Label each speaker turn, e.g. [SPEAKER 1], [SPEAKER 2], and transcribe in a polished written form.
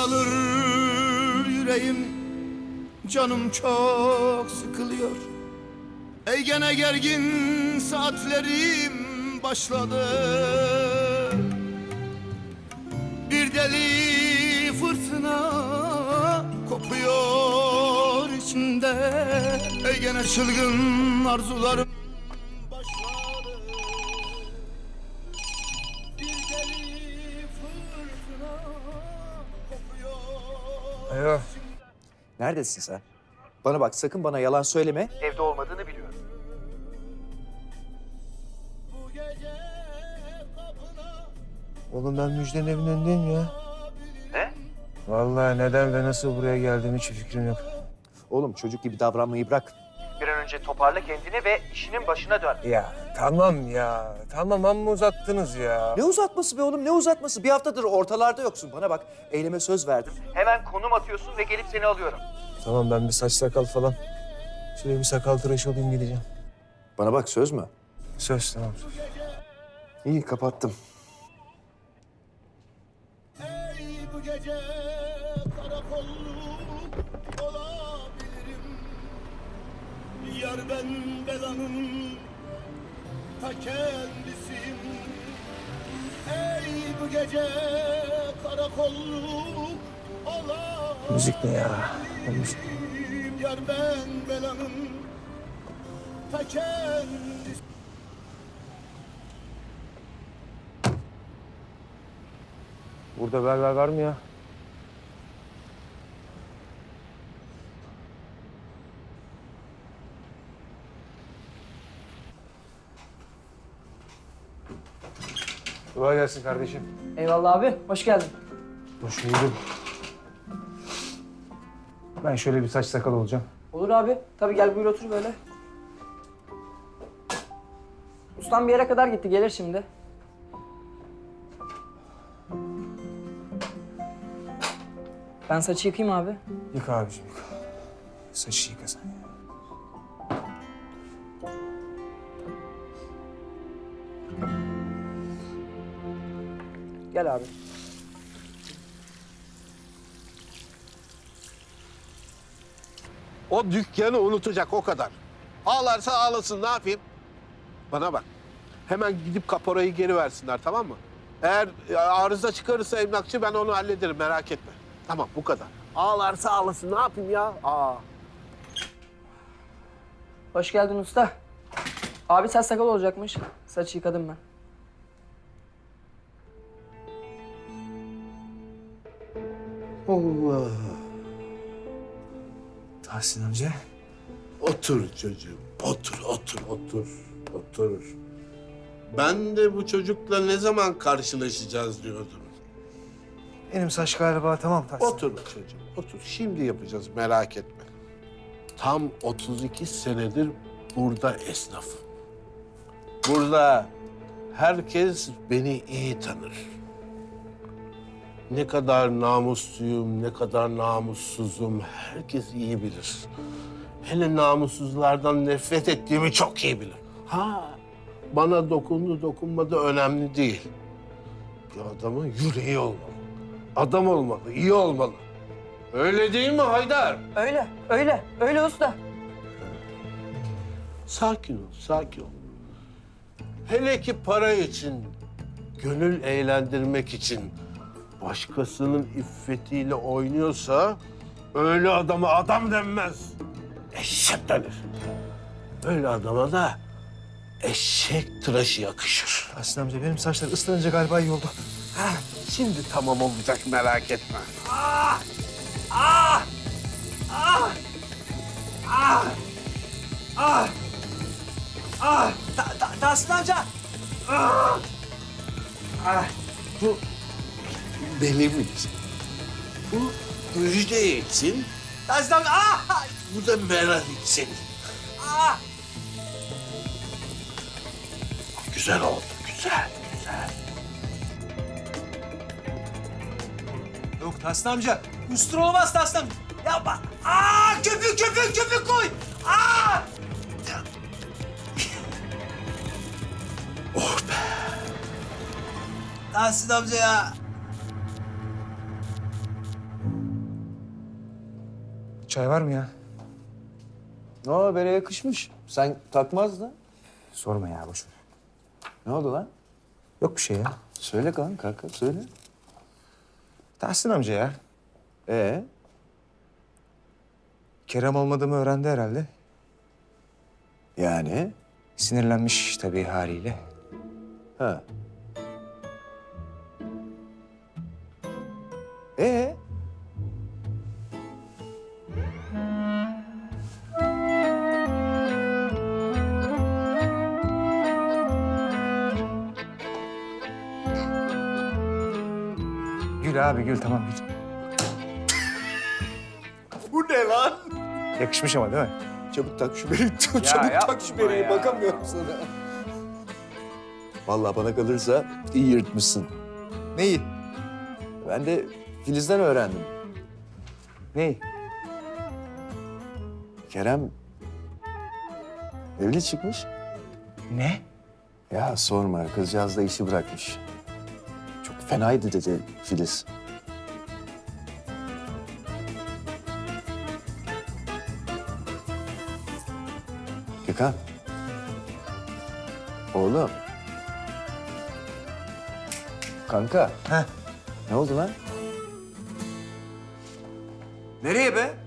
[SPEAKER 1] daralır yüreğim, canım çok sıkılıyor. Ey gene gergin saatlerim başladı. Bir deli fırtına kopuyor içimde. Ey gene çılgın arzularım başladı. Bir deli fırtına kopuyor.
[SPEAKER 2] Alo. Neredesin sen? Bana bak, sakın bana yalan söyleme.
[SPEAKER 3] Evde olmadığını biliyorum.
[SPEAKER 1] Bu gece kapına
[SPEAKER 4] Oğlum ben Müjde'nin evinin önündeyim ya.
[SPEAKER 3] Ne?
[SPEAKER 4] Vallahi neden ve nasıl buraya geldiğim hiç fikrim yok.
[SPEAKER 2] Oğlum çocuk gibi davranmayı bırak.
[SPEAKER 3] Bir an önce toparla kendini ve işinin başına dön.
[SPEAKER 4] Ya tamam ya. Tamam amma uzattınız ya.
[SPEAKER 2] Ne uzatması be oğlum, ne uzatması? Bir haftadır ortalarda yoksun. Bana bak, eyleme söz verdim.
[SPEAKER 3] Hemen konum atıyorsun ve gelip seni alıyorum.
[SPEAKER 4] Tamam ben bir saç sakal falan. Şöyle bir sakal tıraşı olayım gideceğim.
[SPEAKER 2] Bana bak, söz mü?
[SPEAKER 4] Söz tamam söz.
[SPEAKER 2] İyi, kapattım.
[SPEAKER 1] ey bu gece karakolluk olabilirim. Yar ben belanın ta kendisiyim. Ey bu gece karakolluk olabilirim.
[SPEAKER 4] Müzik ne ya? Müzik.
[SPEAKER 1] Yar ben belanın ta kendisiyim.
[SPEAKER 4] Burada berber var mı ya? Kolay gelsin kardeşim.
[SPEAKER 5] Eyvallah abi, hoş geldin.
[SPEAKER 4] Hoş bulduk. Ben şöyle bir saç sakal olacağım.
[SPEAKER 5] Olur abi, tabii gel buyur otur böyle. Ustam bir yere kadar gitti, gelir şimdi. Ben saçı yıkayayım abi.
[SPEAKER 4] Yıka abiciğim yıka. Saçı yıka sen ya.
[SPEAKER 5] Gel abi.
[SPEAKER 6] O dükkanı unutacak o kadar. Ağlarsa ağlasın, ne yapayım? Bana bak. Hemen gidip kaporayı geri versinler, tamam mı? Eğer arıza çıkarırsa emlakçı, ben onu hallederim, merak etme. Tamam, bu kadar. Ağlarsa ağlasın, ne yapayım ya?
[SPEAKER 5] Hoş geldin usta. Abi saç sakal olacakmış. Saçı yıkadım ben.
[SPEAKER 6] Allah.
[SPEAKER 4] Tahsin amca.
[SPEAKER 6] Otur çocuğum, otur. Ben de bu çocukla ne zaman karşılaşacağız diyordum.
[SPEAKER 4] Benim saç galiba tamam Tahsin.
[SPEAKER 6] Otur çocuğum, otur. Şimdi yapacağız, merak etme. Tam 32 senedir burada esnafım. Burada herkes beni iyi tanır. Ne kadar namusluyum, ne kadar namussuzum herkes iyi bilir. Hele namussuzlardan nefret ettiğimi çok iyi bilir. Bana dokundu dokunmadı önemli değil. Bir adamın yüreği olmalı. Adam olmalı, iyi olmalı. Öyle değil mi Haydar?
[SPEAKER 5] Öyle usta.
[SPEAKER 6] Sakin ol. Hele ki para için, gönül eğlendirmek için başkasının iffetiyle oynuyorsa öyle adama adam denmez. Eşek denir. Öyle adama da eşek tıraşı yakışır.
[SPEAKER 4] Tahsin amca benim saçlar ıslanınca galiba iyi oldu.
[SPEAKER 6] Şimdi tamam olacak, merak etme.
[SPEAKER 2] Tahsin amca!
[SPEAKER 6] Bu benim için. Bu Müjde için.
[SPEAKER 2] Tahsin amca!
[SPEAKER 6] Bu da Meral için. Güzel oldu, güzel.
[SPEAKER 2] Yok Tahsin amca, üstün olmaz Tahsin amca. Yapma! Köpük koy!
[SPEAKER 6] Oh be.
[SPEAKER 2] Tahsin amca ya!
[SPEAKER 4] Çay var mı ya?
[SPEAKER 7] Ne habere yakışmış. Sen takmazdın.
[SPEAKER 4] Sorma ya, boş ver.
[SPEAKER 7] Ne oldu lan?
[SPEAKER 4] Yok bir şey ya.
[SPEAKER 7] Söyle kanka, söyle.
[SPEAKER 4] Tahsin amca ya.
[SPEAKER 7] Ee?
[SPEAKER 4] Kerem olmadığımı öğrendi herhalde.
[SPEAKER 7] Yani?
[SPEAKER 4] Sinirlenmiş tabii haliyle.
[SPEAKER 7] Ha. Ee?
[SPEAKER 4] Gül abi gül, tamam gül.
[SPEAKER 7] Bu ne lan?
[SPEAKER 4] Yakışmış ama değil mi?
[SPEAKER 7] Çabuk tak şu bereyi. Çabuk tak şu bereyi.
[SPEAKER 4] ya.
[SPEAKER 7] Bakamıyorum sana. Vallahi bana kalırsa iyi yırtmışsın.
[SPEAKER 4] Neyi?
[SPEAKER 7] Ben de Filiz'den öğrendim.
[SPEAKER 4] Neyi?
[SPEAKER 7] Kerem evli çıkmış.
[SPEAKER 4] Ne?
[SPEAKER 7] Ya sorma, kızcağız da işi bırakmış. Çok fenaydı dedi Filiz. Gökhan. Oğlum. Kanka.
[SPEAKER 4] Heh.
[SPEAKER 7] Ne oldu lan?
[SPEAKER 2] Nereye be?